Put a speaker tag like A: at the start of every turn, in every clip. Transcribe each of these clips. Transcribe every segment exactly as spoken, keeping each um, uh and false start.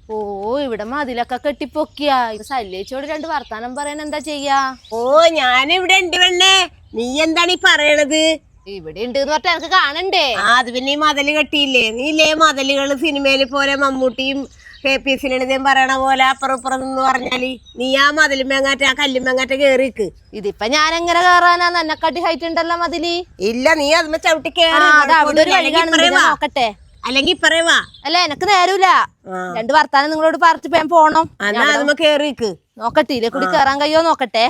A: ഓ ഇവിടെ മതിലൊക്കെ കെട്ടിപ്പൊക്കിയാ. ശല്യേച്ചോട് രണ്ട് വർത്താനം പറയാൻ എന്താ ചെയ്യാ?
B: ഓ ഞാനിവിടെ ഉണ്ട് പെണ്ണേ. നീ എന്താണ് ഈ പറയണത്?
A: ഇവിടെ ഉണ്ട് എന്ന് പറഞ്ഞാ എനിക്ക് കാണണ്ടേ?
B: ആ അത് പിന്നെ ഈ മതില് കെട്ടിയില്ലേ? നീല്ലേ മതിലുകള് സിനിമയില് പോലെ മമ്മൂട്ടിയും കെ പി സിനിതയും പറയണ പോലെ അപ്പുറം ഇപ്പുറം എന്ന് പറഞ്ഞാല് നീ ആ മതിലുമെങ്ങാറ്റ ആ കല്ലുമെങ്ങാറ്റ കേറിക്ക്.
A: ഇതിപ്പൊ ഞാൻ എങ്ങനെ കേറാനാ? എന്നെക്കാട്ടി ഹൈറ്റ് ഉണ്ടല്ലോ മതില്.
B: ഇല്ല നീ അതുമ്പോ ചവിട്ടി കേറി
A: നോക്കട്ടെ.
B: അല്ലെങ്കി പറയുവാ.
A: അല്ല എനക്ക് നേരൂല. രണ്ട് വർത്താനം നിങ്ങളോട് പറഞ്ഞിട്ട് ഞാൻ പോണം.
B: കേറിക്ക്
A: നോക്കട്ടെ ഇതിലെ കൂടി കേറാൻ കഴിയോ നോക്കട്ടെ.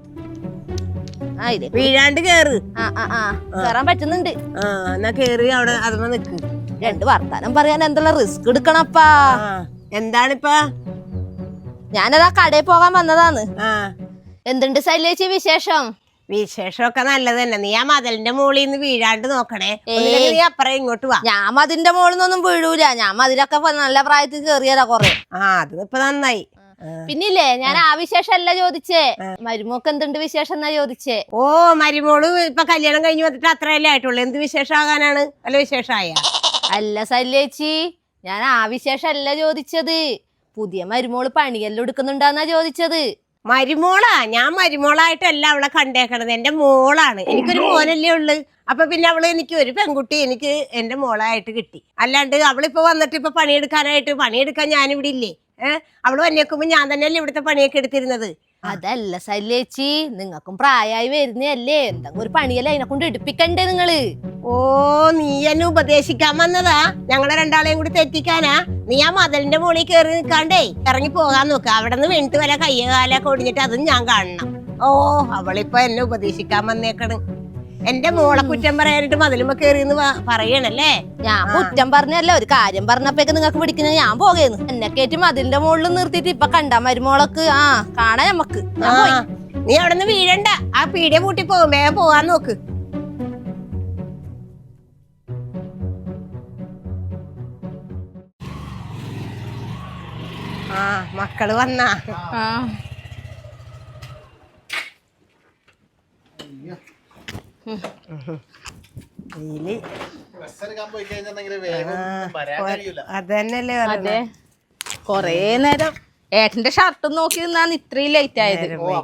B: വീഴാണ്ട് കേറ്.
A: ആ ആ ആ കേറാൻ പറ്റുന്നുണ്ട്.
B: ആ എന്നാ കേറി അവിടെ അതുമ്പോ നിക്ക്.
A: രണ്ട് വർത്താനം പറയാൻ എന്തെല്ലാം റിസ്ക് എടുക്കണപ്പാ.
B: എന്താണിപ്പാ?
A: ഞാനതാ കടയിൽ പോകാൻ വന്നതാന്ന്. എന്തുണ്ട് ശൈലേച്ചി വിശേഷം?
B: വിശേഷമൊക്കെ നല്ലത് തന്നെ. നീ ആ മതിലിന്റെ മുകളിൽ നിന്ന് വീഴാണ്ട് നോക്കണേ. നീ അപ്പുറം ഇങ്ങോട്ട് വാ.
A: ഞാൻ മതിന്റെ മുകളിൽ നിന്നൊന്നും വീഴൂല. ഞാൻ മതിലൊക്കെ നല്ല പ്രായത്തിൽ കേറിയതാ കൊറേ.
B: ആ അത് ഇപ്പൊ നന്നായി.
A: പിന്നില്ലേ ഞാൻ ആ വിശേഷം അല്ല ചോദിച്ചേ, മരുമോക്ക് എന്തുണ്ട് വിശേഷം എന്നാ ചോദിച്ചേ.
B: ഓ മരുമോള് ഇപ്പൊ കല്യാണം കഴിഞ്ഞ് വന്നിട്ട് അത്രയല്ലേ ആയിട്ടുള്ളൂ. എന്ത് വിശേഷമാകാനാണ്? അല്ല വിശേഷമായ
A: അല്ല ശല്യേച്ചി, ഞാൻ ആ വിശേഷം അല്ല ചോദിച്ചത്. പുതിയ മരുമോള് പണിയെല്ലാം എടുക്കുന്നുണ്ടാന്നാ ചോദിച്ചത്.
B: മരുമോളാ? ഞാൻ മരുമോളായിട്ടല്ല അവളെ കണ്ടേക്കണത്. എന്റെ മോളാണ്. എനിക്കൊരു മോനല്ലേ ഉള്ളു. അപ്പൊ പിന്നെ അവള് എനിക്ക് ഒരു പെൺകുട്ടി എനിക്ക് എന്റെ മോളായിട്ട് കിട്ടി. അല്ലാണ്ട് അവളിപ്പോ വന്നിട്ട് ഇപ്പൊ പണിയെടുക്കാനായിട്ട് പണിയെടുക്കാൻ ഞാനിവിടെ ഇല്ലേ? ഏഹ് അവള് വന്നേക്കുമ്പോ ഞാൻ തന്നെയല്ലേ ഇവിടുത്തെ പണിയൊക്കെ എടുത്തിരുന്നത്.
A: അതല്ല ശല്യേച്ചി, നിങ്ങൾക്കും പ്രായമായി വരുന്നല്ലേ, എന്തെങ്കിലും ഒരു പണിയല്ലേ അതിനെ കൊണ്ട് എടുപ്പിക്കണ്ടേ നിങ്ങള്?
B: ഓ നീ എന്നെ ഉപദേശിക്കാൻ വന്നതാ? ഞങ്ങളെ രണ്ടാളെയും കൂടി തെറ്റിക്കാനാ? നീ ആ മതിലിന്റെ മുകളിൽ കയറി നിൽക്കാണ്ടേ ഇറങ്ങി പോകാൻ നോക്ക. അവിടെ നിന്ന് വീണിട്ട് വല്ല കയ്യ കാലൊക്കെ ഒടിഞ്ഞിട്ട് അതും ഞാൻ കാണണം. ഓ അവളിപ്പോ എന്നെ ഉപദേശിക്കാൻ വന്നേക്കണ്. എന്റെ മോളെ കുറ്റം പറയാനായിട്ട് മതിലുമ്പോ കേറിന്ന് പറയണല്ലേ?
A: ഞാൻ കുറ്റം പറഞ്ഞല്ല, ഒരു കാര്യം പറഞ്ഞപ്പോഴേക്ക് നിങ്ങൾക്ക് പിടിക്കുന്ന ഞാൻ പോകേന്ന്. എന്നെ കയറ്റി മതിലിന്റെ മുകളിൽ നിർത്തിയിട്ട് ഇപ്പൊ കണ്ടാ മരുമോളക്ക് ആ കാണാൻ നമ്മക്ക്.
B: നീ അവിടെ നിന്ന് വീഴണ്ട. ആ പീടിയ പൂട്ടി പോകും. വേഗം പോവാൻ നോക്ക്. ആ മക്കള് വന്നാ? അതന്നല്ലേ
A: അതെ. കൊറേ നേരം ഏട്ടന്റെ ഷർട്ട് നോക്കി നിന്നാണ് ഇത്രയും ലേറ്റ് ആയത്.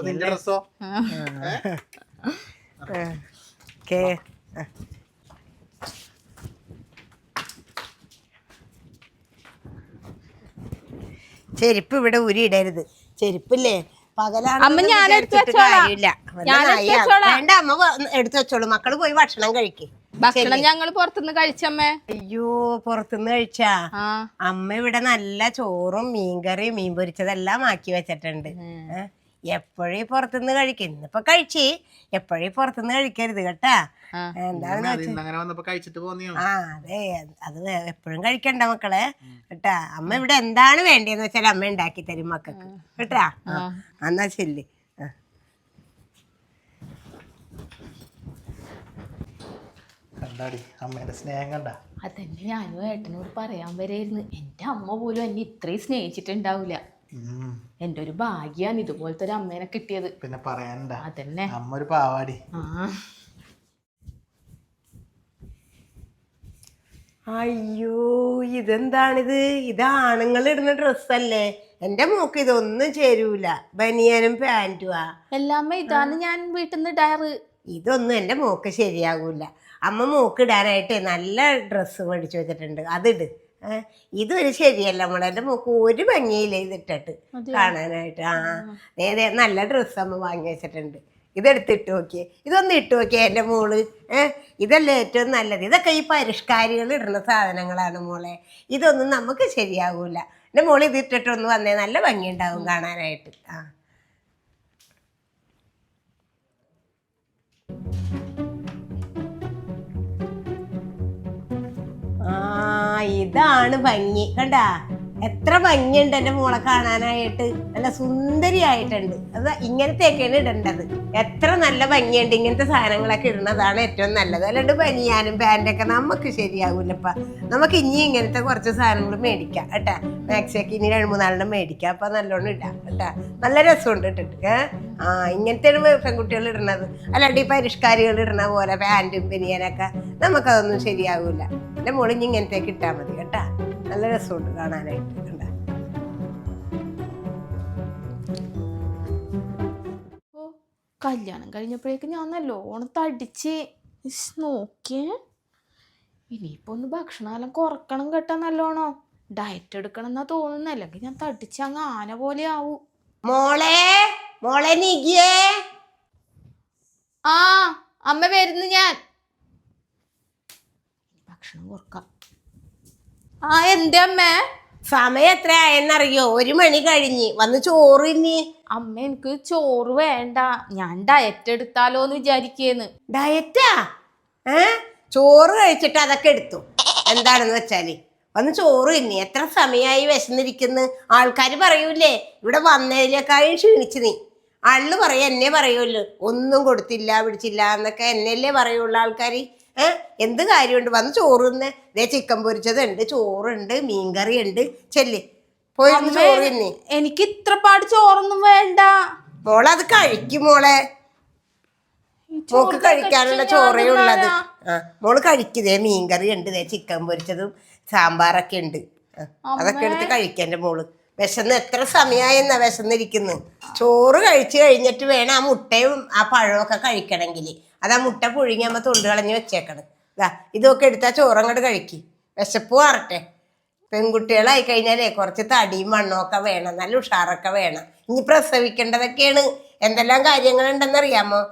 B: ചെരുപ്പ് ഇവിടെ ഊരിയിടരുത്. ചെരുപ്പില്ലേ പകലാണ്.
A: അമ്മ ഞാൻ എടുത്തു
B: വേണ്ട അമ്മ എടുത്തു വെച്ചോളൂ. മക്കള് പോയി ഭക്ഷണം കഴിക്കേ.
A: ഭക്ഷണം ഞങ്ങള് പുറത്തുനിന്ന് കഴിച്ചമ്മേ.
B: അയ്യോ പുറത്തുനിന്ന് കഴിച്ചാ? അമ്മ ഇവിടെ നല്ല ചോറും മീൻകറി മീൻ പൊരിച്ചതെല്ലാം ആക്കി വെച്ചിട്ടുണ്ട്. എപ്പോഴും പുറത്തുനിന്ന് കഴിക്കും. ഇന്നിപ്പൊ കഴിച്ച് എപ്പോഴും പുറത്തുനിന്ന് കഴിക്കരുത് കേട്ടാ. എന്താണെന്ന് ആ അതെ അത് എപ്പോഴും കഴിക്കണ്ട മക്കളെ കേട്ടാ. അമ്മ ഇവിടെ എന്താണ് വേണ്ടതെന്ന് വെച്ചാൽ അമ്മ ഉണ്ടാക്കി തരും മക്കൾക്ക് കേട്ടാ. എന്നാ ശരി.
C: അമ്മേന്റെ സ്നേഹം കണ്ട?
A: അതന്നെ ഞാനും ഏട്ടനോട് പറയാൻ വരായിരുന്നു. എന്റെ അമ്മ പോലും എന്നെ ഇത്രയും സ്നേഹിച്ചിട്ടുണ്ടാവില്ല. എന്റെ ഒരു ഭാഗ്യാണ് ഇതുപോലത്തെ ഒരു അമ്മേനെ കിട്ടിയത്.
C: പിന്നെ പറയാനുണ്ടാ?
A: അതന്നെ
C: അമ്മ ഒരു പാവാടി.
B: അയ്യോ ഇതെന്താണിത്? ഇത് ആണുങ്ങൾ ഇടുന്ന ഡ്രസ്സല്ലേ? എന്റെ മോക്ക് ഇതൊന്നും ചേരൂല. ബനിയനും പാന്റുവാ.
A: എല്ലാമ്മ ഇതാണ് ഞാൻ വീട്ടിൽ നിന്ന് ഇടാറ്.
B: ഇതൊന്നും എന്റെ മോക്ക് ശരിയാകൂല. അമ്മ മോക്ക് ഇടാനായിട്ട് നല്ല ഡ്രസ്സ് മേടിച്ചു വെച്ചിട്ടുണ്ട്, അതിട്. ഏഹ് ഇതൊരു ശരിയല്ല മോളെ. എന്റെ മോക്ക് ഒരു ഭംഗിയില്ല ഇതിട്ടിട്ട് കാണാനായിട്ട്. ആ നേരെ നല്ല ഡ്രസ്സ് അമ്മ വാങ്ങി വെച്ചിട്ടുണ്ട്. ഇതെടുത്തിട്ട് നോക്കിയേ. ഇതൊന്നും ഇട്ട് നോക്കിയേ എൻ്റെ മോള്. ഏഹ് ഇതല്ലേ ഏറ്റവും നല്ലത്. ഇതൊക്കെ ഈ പരിഷ്കാരികൾ ഇടുന്ന സാധനങ്ങളാണ് മോളെ. ഇതൊന്നും നമുക്ക് ശരിയാകൂല. എൻ്റെ മോള് ഇതിട്ടിട്ടൊന്ന് വന്നേ നല്ല ഭംഗിയുണ്ടാവും കാണാനായിട്ട്. ആ ആ ഇതാണ് ഭംഗി കണ്ടാ. എത്ര ഭംഗിയുണ്ട് എൻ്റെ മോളെ കാണാനായിട്ട്. നല്ല സുന്ദരിയായിട്ടുണ്ട്. അത് ഇങ്ങനത്തെയൊക്കെയാണ് ഇടേണ്ടത്. എത്ര നല്ല ഭംഗിയുണ്ട്. ഇങ്ങനത്തെ സാധനങ്ങളൊക്കെ ഇടുന്നതാണ് ഏറ്റവും നല്ലത്. അല്ലാണ്ട് ബനിയാനും പാൻറ്റൊക്കെ നമുക്ക് ശരിയാകൂലപ്പ. നമുക്ക് ഇനി ഇങ്ങനത്തെ കുറച്ച് സാധനങ്ങൾ മേടിക്കാം കേട്ടാ. മാക്സിയൊക്കെ ഇനി രണ്ട് മൂന്നാലെണ്ണം മേടിക്കാം. അപ്പം നല്ലോണം ഇടാം കേട്ടാ. നല്ല രസമുണ്ട് ഇട്ടിട്ട്. ഏഹ് ആ ഇങ്ങനത്തെയാണ് പെൺകുട്ടികൾ ഇടുന്നത്. അല്ലാണ്ട് ഈ പരിഷ്കാരികൾ ഇടുന്ന പോലെ പാൻറ്റും ബനിയാനൊക്കെ നമുക്കതൊന്നും ശരിയാകൂല. എൻ്റെ മോളിഞ്ഞ് ഇങ്ങനത്തേക്ക് ഇട്ടാൽ മതി കേട്ടാ. നല്ല രസമുണ്ട് കാണാനായിട്ട്. കണ്ടാ
A: കല്യാണം കഴിഞ്ഞപ്പോഴേക്ക് ഞാൻ നല്ലോണം തടിച്ച് ഇസ് നോക്കിയേ. ഇനിയിപ്പോൾ ഒന്ന് ഭക്ഷണമെല്ലാം കുറക്കണം കേട്ടാ നല്ലോണം. ഡയറ്റ് എടുക്കണം എന്നാ തോന്നുന്നു, അല്ലെങ്കിൽ ഞാൻ തടിച്ച് അങ്ങ് ആന പോലെ ആവൂ.
B: മോളെ മോളെ നീക്കിയേ.
A: ആ അമ്മ വരുന്നു, ഞാൻ ഭക്ഷണം കുറക്കാം. ആ എന്റെ അമ്മേ,
B: സമയം എത്ര ആയെന്നറിയോ? ഒരു മണി കഴിഞ്ഞ്. വന്ന് ചോറ് ഇനി.
A: അമ്മ എനിക്ക് ചോറ് വേണ്ട, ഞാൻ ഡയറ്റ് എടുത്താലോ എന്ന് വിചാരിക്കേന്ന്.
B: ഡയറ്റാ? ഏ ചോറ് കഴിച്ചിട്ട് അതൊക്കെ എടുത്തു. എന്താണെന്ന് വെച്ചാല് വന്ന് ചോറ് ഇനി. എത്ര സമയമായി വിശന്നിരിക്കുന്നു. ആൾക്കാർ പറയൂലേ ഇവിടെ വന്നതിലേക്കായും ക്ഷീണിച്ച് നീ. ആള് പറയും, എന്നെ പറയുമല്ലോ ഒന്നും കൊടുത്തില്ല പിടിച്ചില്ല എന്നൊക്കെ എന്നെയല്ലേ പറയുള്ളൂ ആൾക്കാർ. ഏഹ് എന്ത് കാര്യമുണ്ട്? വന്ന് ചോറ് തന്നെ. ഇതേ ചിക്കൻ പൊരിച്ചതുണ്ട്, ചോറുണ്ട്, മീൻകറി ഉണ്ട്. ചെല്ല് പോയി ചോറ് തന്നെ.
A: എനിക്ക് ഇത്ര പാട് ചോറൊന്നും വേണ്ട
B: മോളെ. അത് കഴിക്കും മോളെ. മോക്ക് കഴിക്കാനുള്ള ചോറേ ഉള്ളത്. ആ മോള് കഴിക്കുന്നേ. മീൻകറി ഉണ്ട്, ദേ ചിക്കൻ പൊരിച്ചതും സാമ്പാറൊക്കെ ഉണ്ട്. അതൊക്കെ എടുത്ത് കഴിക്കാൻ മോള്. വിശന്ന് എത്ര സമയമായെന്നാ വിശന്നിരിക്കുന്നു. ചോറ് കഴിച്ചു കഴിഞ്ഞിട്ട് വേണം ആ മുട്ടയും ആ പഴമൊക്കെ കഴിക്കണമെങ്കിൽ. അത് ആ മുട്ട പുഴുങ്ങിയാകുമ്പോൾ തൊണ്ട് കളഞ്ഞ് വെച്ചേക്കണം. ഇതാ ഇതൊക്കെ എടുത്താൽ ചോറങ്ങോട്ട് കഴിക്കി. വിശപ്പ് മാറട്ടെ. പെൺകുട്ടികളായി കഴിഞ്ഞാലേ കുറച്ച് തടിയും മണ്ണൊക്കെ വേണം, നല്ല ഉഷാറൊക്കെ വേണം. ഇനി പ്രസവിക്കേണ്ടതൊക്കെയാണ്. എന്തെല്ലാം കാര്യങ്ങളുണ്ടെന്നറിയാമോ?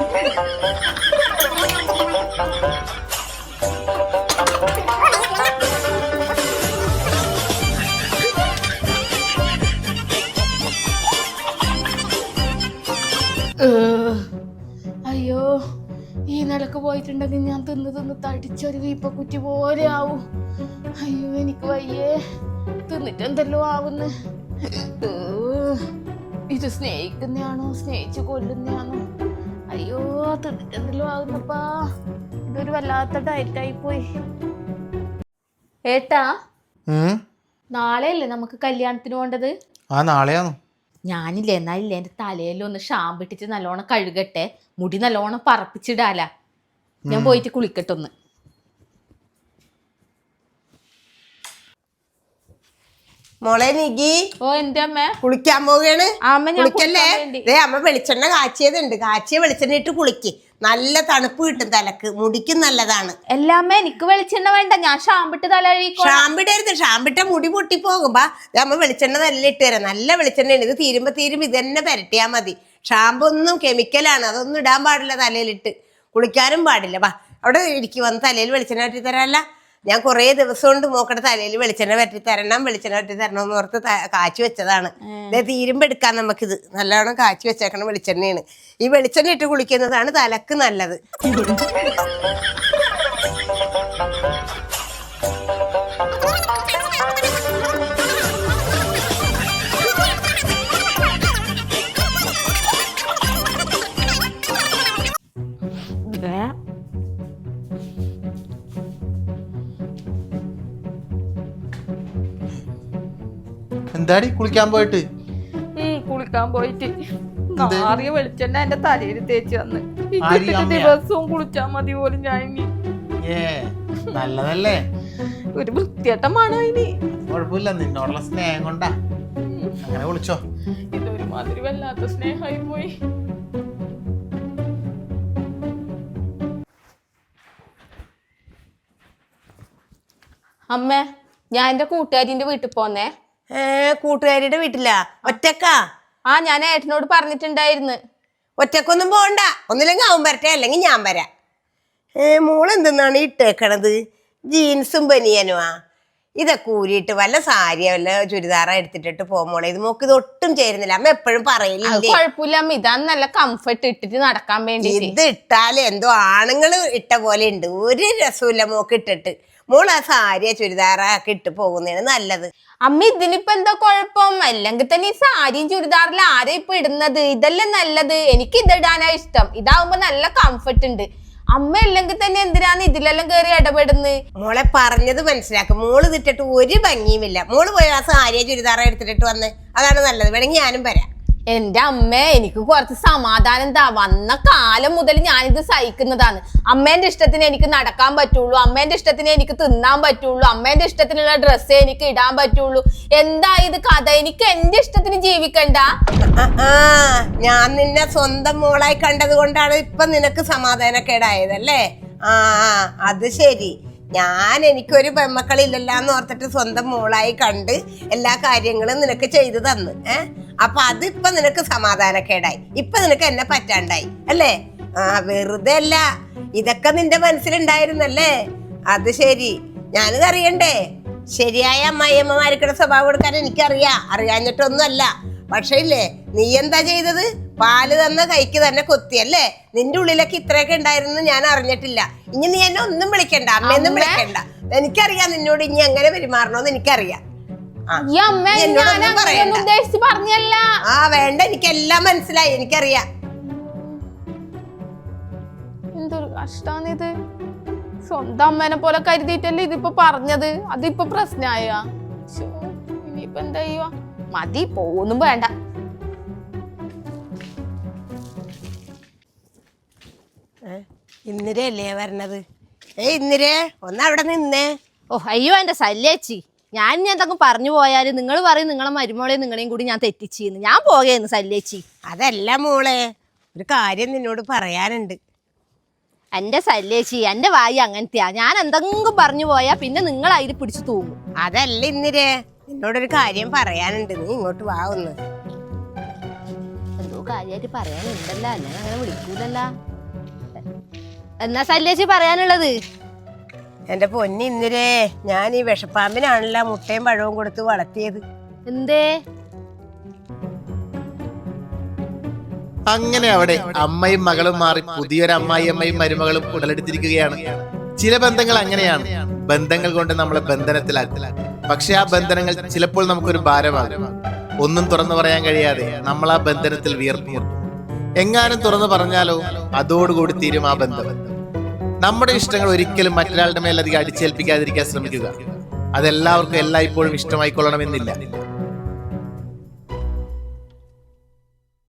A: അയ്യോ, ഈ നിലക്ക് പോയിട്ടുണ്ടെങ്കിൽ ഞാൻ തിന്ന് തിന്ന് തടിച്ചൊരു വീപ്പക്കുറ്റി പോലെ ആവും. അയ്യോ എനിക്ക് വയ്യേ, തിന്നിട്ട് എന്തെല്ലോ ആവുന്നു. ഇത് സ്നേഹിക്കുന്നയാണോ സ്നേഹിച്ച് കൊല്ലുന്നയാണോ? അയ്യോ തിന്നിട്ട് എന്തെല്ലോ ആവുന്നപ്പാ. ഇതൊരു വല്ലാത്ത ഡയറ്റായി പോയി. ഏട്ടാ, നാളെയല്ലേ നമുക്ക് കല്യാണത്തിന് പോണ്ടത്?
C: ആ നാളെയാണോ?
A: ഞാനില്ലേ എന്നാലില്ലേ എൻ്റെ തലയിലും ഒന്ന് ഷാമ്പിട്ടിട്ട് നല്ലോണം കഴുകട്ടെ, മുടി നല്ലോണം പറപ്പിച്ചിടാല. ഞാൻ പോയിട്ട് കുളിക്കട്ടെ ഒന്ന്.
B: മോളെ നികി.
A: ഓ എന്റെ അമ്മ
B: കുളിക്കാൻ പോവുകയാണ്.
A: അമ്മ ഞാൻ
B: കുളിക്കല്ലേ? ദേ അമ്മ വെളിച്ചെണ്ണ കാച്ചിയതുണ്ട്. കാച്ചിയ വെളിച്ചെണ്ണ ഇട്ട് കുളിക്ക്. നല്ല തണുപ്പ് കിട്ടും തലക്ക്, മുടിക്കും നല്ലതാണ്.
A: എല്ലാമ്മ എനിക്ക് വെളിച്ചെണ്ണ വേണ്ട, ഞാൻ ഷാമ്പിട്ട് തല കഴുകിക്കോ.
B: ഷാമ്പിടരുത്, ഷാമ്പിട്ട മുടി പൊട്ടിപ്പോകുമ്പോ അമ്മ വെളിച്ചെണ്ണ നല്ല ഇട്ട് തരാം. നല്ല വെളിച്ചെണ്ണയാണ്. ഇത് തീരുമ്പോ തീരുമ്പോ ഇത് തന്നെ പുരട്ടിയാൽ മതി. ഷാമ്പു ഒന്നും കെമിക്കലാണ്, അതൊന്നും ഇടാൻ പാടില്ല തലയിലിട്ട്. കുളിക്കാനും പാടില്ല. വാ അവിടെ ഇരിക്കും, വന്ന് തലയിൽ വെളിച്ചെണ്ണ പറ്റി തരാല്ല. ഞാൻ കുറേ ദിവസം കൊണ്ട് മോക്കടെ തലയിൽ വെളിച്ചെണ്ണ പറ്റി തരണം, വെളിച്ചെണ്ണ പറ്റി തരണം എന്ന് ഓർത്ത് കാച്ചി വെച്ചതാണ്. തീരുമ്പോ എടുക്കാം നമുക്കിത്. നല്ലോണം കാച്ചി വെച്ചേക്കണ വെളിച്ചെണ്ണയാണ്. ഈ വെളിച്ചെണ്ണ ഇട്ട് കുളിക്കുന്നതാണ് തലക്ക് നല്ലത്.
C: എന്താടി കുളിക്കാൻ പോയിട്ട്?
A: കുളിക്കാൻ പോയിട്ട് നാറിയ വെളിച്ചെണ്ണ എന്റെ തലയിൽ തേച്ച് തന്ന്.
C: ആര് അമ്മയാ?
A: ദിവസവും കുളിച്ചാ മതി പോലും ഞാൻ ഇനി.
C: ഏ നല്ലതല്ലേ?
A: ഒരു വൃത്തിയേട്ടമാണ് ഇനി.
C: കുഴപ്പമില്ല, നിന്നോടുള്ള സ്നേഹം കൊണ്ടാ. അങ്ങനെ വിളിച്ചോ.
A: ഇതൊരുമാതിരി വല്ലാത്ത സ്നേഹമായി പോയി. അമ്മ, ഞാൻ എന്റെ കൂട്ടുകാരിന്റെ വീട്ടിൽ പോന്നേ.
B: ഏ കൂട്ടുകാരിയുടെ വീട്ടിലാ? ഒറ്റക്കാ?
A: ആ ഞാൻ ഏട്ടനോട് പറഞ്ഞിട്ടുണ്ടായിരുന്നു.
B: ഒറ്റക്കൊന്നും പോണ്ട. ഒന്നില്ലെങ്കിൽ അവൻ വരട്ടെ, അല്ലെങ്കിൽ ഞാൻ വരാം. ഏ മോള് എന്തെന്നാണ് ഇട്ടേക്കണത്? ജീൻസും ബനിയനുമാ? ഇതൊക്കെ ഊരിയിട്ട് വല്ല സാരിയോ വല്ല ചുരിദാറോ എടുത്തിട്ടിട്ട് പോകുമ്പോളെ ഇത് മോക്ക് ഇത് ഒട്ടും ചേരുന്നില്ല. അമ്മ എപ്പോഴും പറയില്ലേ?
A: കുഴപ്പമില്ല അമ്മ, ഇതാണ് നല്ല കംഫർട്ട് ഇട്ടിട്ട് നടക്കാൻ വേണ്ടി.
B: ഇത് ഇട്ടാല് എന്തോ ആണുങ്ങള് ഇട്ട പോലെ ഉണ്ട്. ഒരു രസമില്ല മോക്ക് ഇട്ടിട്ട്. മോൾ ആ സാരിയോ ചുരിദാറോ ഒക്കെ ഇട്ട് പോകുന്നതാണ് നല്ലത്.
A: അമ്മ ഇതിനിപ്പോ എന്താ കുഴപ്പം? അല്ലെങ്കിൽ തന്നെ ഈ സാരിയും ചുരിദാറിൽ ആരാ ഇപ്പൊ ഇടുന്നത്? ഇതല്ലേ നല്ലത്. എനിക്ക് ഇതിടാനാ ഇഷ്ടം. ഇതാവുമ്പോ നല്ല കംഫർട്ട് ഉണ്ട്. അമ്മ അല്ലെങ്കിൽ തന്നെ എന്തിനാണ് ഇതിലെല്ലാം കയറി ഇടപെടുന്നത്?
B: മോളെ പറഞ്ഞത് മനസ്സിലാക്കും. മോള് ഇതിട്ടിട്ട് ഒരു ഭംഗിയുമില്ല. മോള് പോയി ആ സാരിയോ ചുരിദാറോ എടുത്തിട്ട് വന്ന്, അതാണ് നല്ലത്. വേണമെങ്കിൽ ഞാനും വരാം.
D: എന്റെ അമ്മ എനിക്ക് കുറച്ച് സമാധാനം എന്താ വന്ന കാലം മുതൽ ഞാനിത് സഹിക്കുന്നതാണ്. അമ്മേന്റെ ഇഷ്ടത്തിന് എനിക്ക് നടക്കാൻ പറ്റുള്ളൂ, അമ്മേന്റെ ഇഷ്ടത്തിന് എനിക്ക് തിന്നാൻ പറ്റുള്ളൂ, അമ്മേന്റെ ഇഷ്ടത്തിനുള്ള ഡ്രസ്സേ എനിക്ക് ഇടാൻ പറ്റുള്ളൂ. എന്താ ഇത് കഥ? എനിക്ക് എന്റെ ഇഷ്ടത്തിന് ജീവിക്കണ്ട?
B: ഞാൻ നിന്നെ സ്വന്തം മോളായി കണ്ടത് കൊണ്ടാണ് ഇപ്പൊ നിനക്ക് സമാധാനക്കേടായതല്ലേ? ആ അത് ശരി. ഞാൻ എനിക്കൊരു പെമ്മക്കളില്ലല്ലാന്ന് ഓർത്തിട്ട് സ്വന്തം മോളായി കണ്ട് എല്ലാ കാര്യങ്ങളും നിനക്ക് ചെയ്തു തന്നു. ഏഹ് അപ്പൊ അതിപ്പൊ നിനക്ക് സമാധാനക്കേടായി, ഇപ്പൊ നിനക്ക് എന്നെ പറ്റാണ്ടായി അല്ലേ? ആ വെറുതെ അല്ല, ഇതൊക്കെ നിന്റെ മനസ്സിലുണ്ടായിരുന്നല്ലേ? അത് ശരി. ഞാനിത് അറിയണ്ടേ? ശരിയായ അമ്മായിയമ്മമാർക്കുടെ സ്വഭാവം കൊടുക്കാൻ എനിക്കറിയാം, അറിയാഞ്ഞിട്ടൊന്നുമല്ല. പക്ഷേ ഇല്ലേ, നീ എന്താ ചെയ്തത്? പാല് തന്ന കൈക്ക് തന്നെ കൊത്തിയല്ലേ? നിന്റെ ഉള്ളിലൊക്കെ ഇത്രയൊക്കെ ഉണ്ടായിരുന്നു ഞാൻ അറിഞ്ഞിട്ടില്ല. ഇനി നീ എന്നെ ഒന്നും വിളിക്കണ്ട, അമ്മയൊന്നും വിളിക്കണ്ട. എനിക്കറിയാം നിന്നോട് ഇനി എങ്ങനെ പെരുമാറണോന്ന് എനിക്കറിയാം.
D: പറഞ്ഞല്ല.
B: ആ വേണ്ട, എനിക്കെല്ലാം മനസ്സിലായി, എനിക്കറിയാം.
A: എന്തൊരു കഷ്ടാണിത്. സ്വന്തം അമ്മേനെ പോലെ കരുതിയിട്ടല്ലേ ഇതിപ്പോ പറഞ്ഞത്, അതിപ്പോ പ്രശ്നമായ. ഇനിയിപ്പോ എന്താ ചെയ്യുക? മതി, പോന്നും വേണ്ട.
B: ഇന്ദിരയല്ലേ വരണത്? ഏ ഇന്ദിരേ, ഒന്ന് അവിടെ നിന്നേ.
D: ഓ അയ്യോ എന്റെ ശല്യേച്ചി, ഞാൻ ഇനി എന്തെങ്കിലും പറഞ്ഞു പോയാല് നിങ്ങൾ പറയും നിങ്ങളെ മരുമോളെയും നിങ്ങളെയും കൂടി ഞാൻ തെറ്റിച്ചിന്ന്. ഞാൻ പോകേന്ന് ശല്യേച്ചി.
B: അതല്ല മോളെ, ഒരു കാര്യം നിന്നോട് പറയാനുണ്ട്.
D: എന്റെ ശല്യേച്ചി, എന്റെ വായി അങ്ങനത്തെയാ. ഞാൻ എന്തെങ്കിലും പറഞ്ഞു പോയാ പിന്നെ നിങ്ങൾ അതിൽ പിടിച്ചു തൂങ്ങും.
B: അതല്ല ഇന്ദിരേ, നിന്നോടൊരു കാര്യം പറയാനുണ്ട്. നീ ഇങ്ങോട്ട് വാ ഒന്ന്.
D: എന്തോ കാര്യമായിട്ട് പറയാനുണ്ടല്ലോ, അല്ലെങ്കിൽ അങ്ങനെ വിളിക്കൂലല്ലോ. എന്നാ ശല്യേച്ചി പറയാനുള്ളത്?
B: എന്റെ പൊന്നി ഇന്ദിരേ, ഞാൻ ഈ വിഷപ്പാമ്പിനാണല്ലോ മുട്ടയും പഴവും കൊടുത്ത് വളർത്തിയത്.
D: എന്തേ?
C: അങ്ങനെ അവിടെ അമ്മയും മകളും മാറി പുതിയൊരു അമ്മായി അമ്മയും മരുമകളും ഉടലെടുത്തിരിക്കുകയാണ്. ചില ബന്ധങ്ങൾ അങ്ങനെയാണ്, ബന്ധങ്ങൾ കൊണ്ട് നമ്മളെ ബന്ധനത്തിലാക്കും. പക്ഷെ ആ ബന്ധനങ്ങൾ ചിലപ്പോൾ നമുക്കൊരു ഭാരമാകും. ഒന്നും തുറന്നു പറയാൻ കഴിയാതെ നമ്മൾ ആ ബന്ധനത്തിൽ വിയർപ്പുമുട്ടും. എങ്ങാനും തുറന്നു പറഞ്ഞാലോ അതോടുകൂടി തീരും ആ ബന്ധം. നമ്മുടെ ഇഷ്ടങ്ങൾ ഒരിക്കലും മറ്റൊരാളുടെ മേൽ അധികം അടിച്ചേൽപ്പിക്കാതിരിക്കാൻ ശ്രമിക്കുക. അതെല്ലാവർക്കും എല്ലായ്പ്പോഴും ഇഷ്ടമായിക്കൊള്ളണമെന്നില്ല.